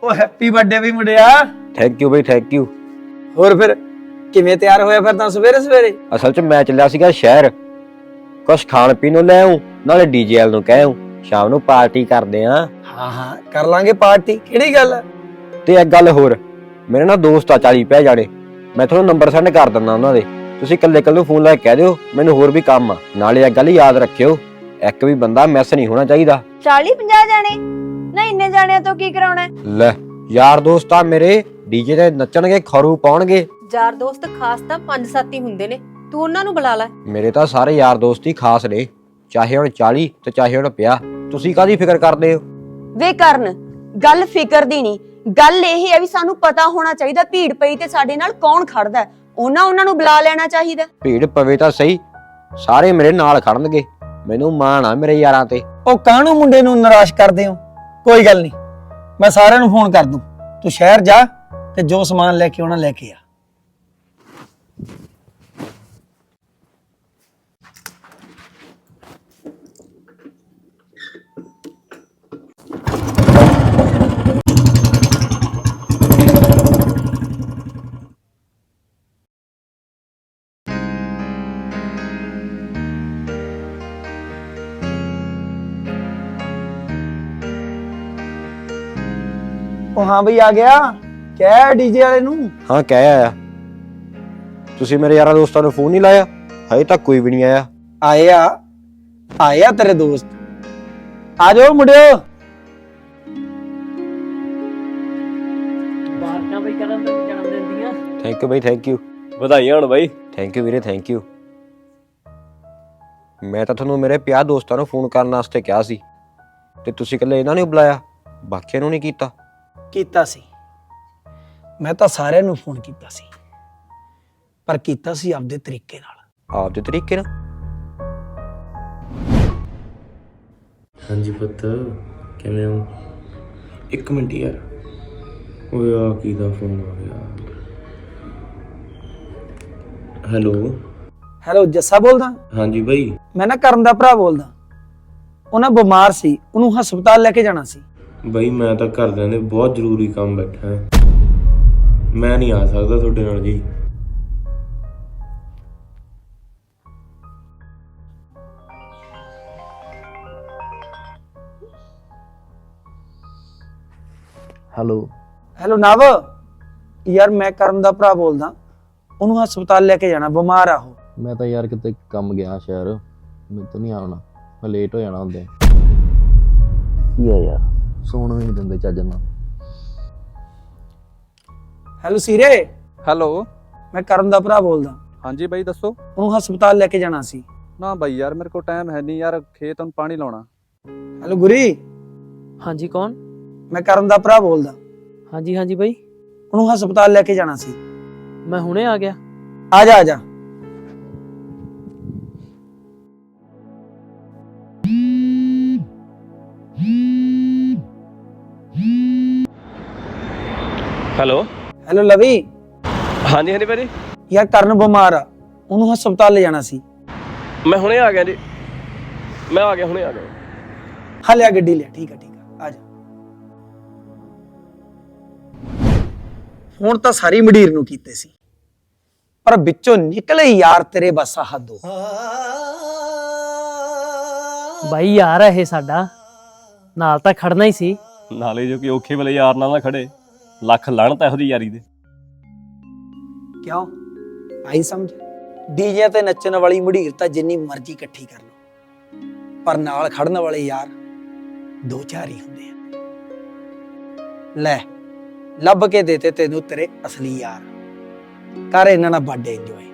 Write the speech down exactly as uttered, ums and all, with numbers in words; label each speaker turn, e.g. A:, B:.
A: ਉਹ happy birthday ਵੀ ਮੁੰਡਿਆ।
B: ਥੈਂਕ ਯੂ ਬਈ ਥੈਂਕ ਯੂ।
A: ਹੋਰ ਫਿਰ ਕਿਵੇਂ ਤਿਆਰ ਹੋਇਆ ਫਿਰ ਤਾਂ ਸਵੇਰੇ ਸਵੇਰੇ?
B: ਅਸਲ 'ਚ ਮੈਂ ਚੱਲਿਆ ਸੀਗਾ ਸ਼ਹਿਰ, ਕੁਛ ਖਾਣ ਪੀਣ ਨੂੰ ਲੈ ਆਉਂ, ਨਾਲੇ ਡੀਜੇਐਲ ਨੂੰ ਕਹਿ ਆਉਂ ਸ਼ਾਮ ਨੂੰ ਪਾਰਟੀ ਕਰਦੇ ਆਂ।
A: ਹਾਂ ਹਾਂ ਕਰ ਲਾਂਗੇ ਪਾਰਟੀ, ਕਿਹੜੀ ਗੱਲ ਹੈ?
B: ਤੇ ਇੱਕ ਗੱਲ ਹੋਰ, ਮੇਰੇ ਨਾਲ ਦੋਸਤ ਆ ਚਾਲੀ ਪੈ ਜਾਣੇ, ਮੈਂ ਤੁਹਾਨੂੰ ਨੰਬਰ ਸੈਂਡ ਕਰ ਦਿੰਦਾ ਉਹਨਾਂ ਦੇ, ਤੁਸੀਂ ਇਕੱਲੇ ਇਕੱਲੇ ਫੋਨ ਲੈ ਕੇ ਕਹਿ ਦਿਓ ਮੈਨੂੰ ਹੋਰ ਵੀ ਕੰਮ ਆ। ਨਾਲੇ ਇੱਕ ਗੱਲ ਯਾਦ ਰੱਖਿਓ, ਇੱਕ ਵੀ ਬੰਦਾ ਮਿਸ ਨਹੀਂ ਹੋਣਾ ਚਾਹੀਦਾ।
C: ਚਾਲੀ ਪੰਜਾਹ ਜਾਣੇ ਨਾ, ਇੰਨੇ ਜਾਣਿਆਂ ਤੋਂ ਕੀ ਕਰਾਉਣਾ?
B: ਲੈ ਯਾਰ ਦੋਸਤ ਆ ਮੇਰੇ, ਡੀਜੇ ਤੇ ਨੱਚਣਗੇ, ਖਰੂ ਪਾਉਣਗੇ।
D: ਯਾਰ ਦੋਸਤ ਖਾਸ ਤਾਂ ਪੰਜ ਸੱਤ ਹੀ ਹੁੰਦੇ ਨੇ, ਤੂੰ ਉਹਨਾਂ ਨੂੰ ਬੁਲਾ ਲੈ।
B: ਮੇਰੇ ਤਾਂ ਸਾਰੇ ਯਾਰ ਦੋਸਤ ਹੀ ਖਾਸ ਨੇ, ਚਾਹੇ ਹੁਣ ਚਾਲੀ ਤੇ ਚਾਹੇ ਹੁਣ ਪੰਜਾਹ। ਤੁਸੀਂ ਕਾਹਦੀ ਫਿਕਰ ਕਰਦੇ ਹੋ?
C: ਵੇ ਕਰਨ, ਗੱਲ ਫਿਕਰ ਦੀ ਨਹੀਂ, ਗੱਲ ਇਹ ਹੈ ਵੀ ਸਾਨੂੰ ਪਤਾ ਹੋਣਾ ਚਾਹੀਦਾ ਭੀੜ ਪਈ ਤੇ ਸਾਡੇ ਨਾਲ ਕੌਣ ਖੜਦਾ, ਉਹਨਾਂ ਉਹਨਾਂ ਨੂੰ ਬੁਲਾ ਲੈਣਾ ਚਾਹੀਦਾ।
B: ਭੀੜ ਪਵੇ ਤਾਂ ਸਹੀ, ਸਾਰੇ ਮੇਰੇ ਨਾਲ ਖੜਨਗੇ, ਮੈਨੂੰ ਮਾਣ ਆ ਮੇਰੇ ਯਾਰਾਂ ਤੇ।
A: ਉਹ ਕਾਹਨੂੰ ਮੁੰਡੇ ਨੂੰ ਨਿਰਾਸ਼ ਕਰਦੇ ਹੋ? ਕੋਈ ਗੱਲ ਨਹੀਂ, ਮੈਂ ਸਾਰਿਆਂ ਨੂੰ ਫੋਨ ਕਰ ਦੂੰ, ਤੂੰ ਸ਼ਹਿਰ ਜਾ ਤੇ ਜੋ ਸਮਾਨ ਲੈ ਕੇ ਆਉਣਾ ਲੈ ਕੇ ਆ। ਉਹ ਹਾਂ ਬਈ ਆ ਗਿਆ, ਕਹਿ ਡੀਜੇ ਵਾਲੇ ਨੂੰ।
B: ਹਾਂ ਕਹਿ ਆਇਆ। ਤੁਸੀਂ ਮੇਰੇ ਯਾਰਾਂ ਦੋਸਤਾਂ ਨੂੰ ਫੋਨ ਨਹੀਂ ਲਾਇਆ? ਹਜੇ ਤੱਕ ਕੋਈ ਵੀ ਨਹੀਂ ਆਇਆ।
A: ਆਏ ਆ ਆਏ ਆ ਤੇਰੇ ਦੋਸਤ, ਆ ਜਾਓ ਮੁੰਡਿਓ।
E: ਬਾਰਕਾਂ ਬਈ ਕਰਨ ਦੇ ਜਨਮ ਦਿਨ ਦੀਆਂ।
B: ਥੈਂਕ ਯੂ ਬਈ ਥੈਂਕ ਯੂ।
F: ਵਧਾਈਆਂ ਹੋਣ ਬਾਈ।
B: ਥੈਂਕ ਯੂ ਵੀਰੇ ਥੈਂਕ ਯੂ। ਮੈਂ ਤਾਂ ਤੁਹਾਨੂੰ ਮੇਰੇ ਪੰਜਾਹ ਦੋਸਤਾਂ ਨੂੰ ਫੋਨ ਕਰਨ ਵਾਸਤੇ ਕਿਹਾ ਸੀ ਤੇ ਤੁਸੀਂ ਇਕੱਲੇ ਇਹਨਾਂ ਨੂੰ ਬੁਲਾਇਆ, ਬਾਕੀਆਂ ਨੂੰ ਨਹੀਂ ਕੀਤਾ?
A: ਕੀਤਾ ਸੀ, ਮੈਂ ਤਾਂ ਸਾਰਿਆਂ ਨੂੰ ਫੋਨ ਕੀਤਾ ਸੀ, ਪਰ ਕੀਤਾ ਸੀ ਆਪਦੇ ਤਰੀਕੇ ਨਾਲ।
B: ਆਪਦੇ ਤਰੀਕੇ ਨਾਲ?
F: ਹਾਂਜੀ ਪੁੱਤ, ਕਿਵੇਂ ਹੋ? ਇੱਕ ਮਿੰਟ ਯਾਰ, ਓਏ ਆ ਕੀ ਦਾ ਫੋਨ ਆ ਗਿਆ? ਹੈਲੋ।
A: ਹੈਲੋ ਜੱਸਾ ਬੋਲਦਾ?
F: ਹਾਂਜੀ ਬਾਈ।
A: ਮੈਂ ਨਾ ਕਰਨ ਦਾ ਭਰਾ ਬੋਲਦਾ, ਉਹ ਨਾ ਬਿਮਾਰ ਸੀ, ਉਹਨੂੰ ਹਸਪਤਾਲ ਲੈ ਕੇ ਜਾਣਾ ਸੀ।
F: ਬਾਈ ਮੈਂ ਤਾਂ ਘਰਦਿਆਂ ਦੇ ਬਹੁਤ ਜ਼ਰੂਰੀ ਕੰਮ ਬੈਠਾ ਹੈ, ਮੈਂ ਨਹੀਂ ਆ ਸਕਦਾ ਤੁਹਾਡੇ ਨਾਲ ਜੀ।
G: ਹੈਲੋ
A: ਹੈਲੋ ਨਵ, ਯਾਰ ਮੈਂ ਕਰਨ ਦਾ ਭਰਾ ਬੋਲਦਾ, ਉਹਨੂੰ ਹਸਪਤਾਲ ਲੈ ਕੇ ਜਾਣਾ, ਬਿਮਾਰ ਆ ਉਹ।
G: ਮੈਂ ਤਾਂ ਯਾਰ ਕਿਤੇ ਕੰਮ ਗਿਆ ਸ਼ਹਿਰ, ਮੈਨੂੰ ਤਾਂ ਨਹੀਂ ਆਉਣਾ, ਮੈਂ ਲੇਟ ਹੋ ਜਾਣਾ ਹੁੰਦੇ। ਕੀ ਆ ਯਾਰ, ਸੌਣ ਵੀ ਨਹੀਂ ਦਿੰਦੇ ਚੱਜ ਨਾਲ।
A: ਹੈਲੋ ਸੀਰੇ।
H: ਹੈਲੋ।
A: ਮੈਂ ਕਰਨ ਦਾ ਭਰਾ ਬੋਲਦਾ।
H: ਹਾਂਜੀ ਬਾਈ ਦੱਸੋ।
A: ਉਹਨੂੰ ਹਸਪਤਾਲ ਲੈ ਕੇ ਜਾਣਾ ਸੀ।
H: ਨਾ ਬਾਈ ਯਾਰ ਮੇਰੇ ਕੋਲ ਟਾਈਮ ਹੈ ਨਹੀਂ ਯਾਰ, ਖੇਤ ਨੂੰ ਪਾਣੀ ਲਾਉਣਾ।
A: ਹੈਲੋ ਗੁਰੀ।
E: ਹਾਂਜੀ ਕੌਣ?
A: ਮੈਂ ਕਰਨ ਦਾ ਭਰਾ ਬੋਲਦਾ।
E: ਹਾਂਜੀ ਹਾਂਜੀ ਬਾਈ,
A: ਉਹਨੂੰ ਹਸਪਤਾਲ ਲੈ ਕੇ ਜਾਣਾ ਸੀ।
E: ਮੈਂ ਹੁਣੇ ਆ ਗਿਆ।
A: ਆ ਜਾ ਆ ਜਾ।
F: ਹੈਲੋ।
A: ਹੈਲੋ ਲਵੀ।
F: ਹਾਂਜੀ ਹਾਂਜੀ ਭਾਜੀ।
A: ਯਾਰ ਕਰਨ ਬਿਮਾਰ ਆ, ਉਹਨੂੰ ਹਸਪਤਾਲ ਲੈ ਜਾਣਾ ਸੀ।
F: ਮੈਂ ਹੁਣੇ ਆ ਗਿਆ ਜੀ, ਮੈਂ ਆ ਗਿਆ, ਹੁਣੇ ਆ ਗਿਆ।
A: ਹਾਂ ਲਿਆ ਗੱਡੀ ਲਿਆ। ਠੀਕ ਆ ਠੀਕ ਆ, ਆ ਜਾ। ਹੁਣ ਤਾਂ ਸਾਰੀ ਮੰਡੀਰ ਨੂੰ ਕੀਤੇ ਸੀ, ਪਰ ਵਿੱਚੋਂ ਨਿਕਲੇ ਯਾਰ ਤੇਰੇ ਬਸ ਹੱਦੋਂ।
E: ਬਾਈ ਯਾਰ ਇਹ ਸਾਡਾ ਨਾਲ ਤਾਂ ਖੜਨਾ ਹੀ ਸੀ।
F: ਨਾਲੇ ਜੋ ਕਿ ਔਖੇ ਵੇਲੇ ਯਾਰ ਨਾਲ ਨਾ ਖੜੇ, ਲੱਖ ਲਾਹਣਤ ਇਹੋ ਜਿਹੀ ਯਾਰੀ ਦੇ।
A: ਕਿਉਂ ਆਈ ਸਮਝ? ਡੀਜੇ ਤੇ ਨੱਚਣ ਵਾਲੀ ਮੰਡੀਰ ਤਾਂ ਜਿੰਨੀ ਮਰਜ਼ੀ ਇਕੱਠੀ ਕਰ ਲਓ, ਪਰ ਨਾਲ ਖੜਨ ਵਾਲੇ ਯਾਰ ਦੋ ਚਾਰ ਹੀ ਹੁੰਦੇ ਆ। ਲੈ ਲੱਭ ਕੇ ਦੇਤੇ ਤੈਨੂੰ ਤੇਰੇ ਅਸਲੀ ਯਾਰ, ਕਰ ਇਹਨਾਂ ਨਾਲ ਬਰਥਡੇ ਇੰਜੋਏ।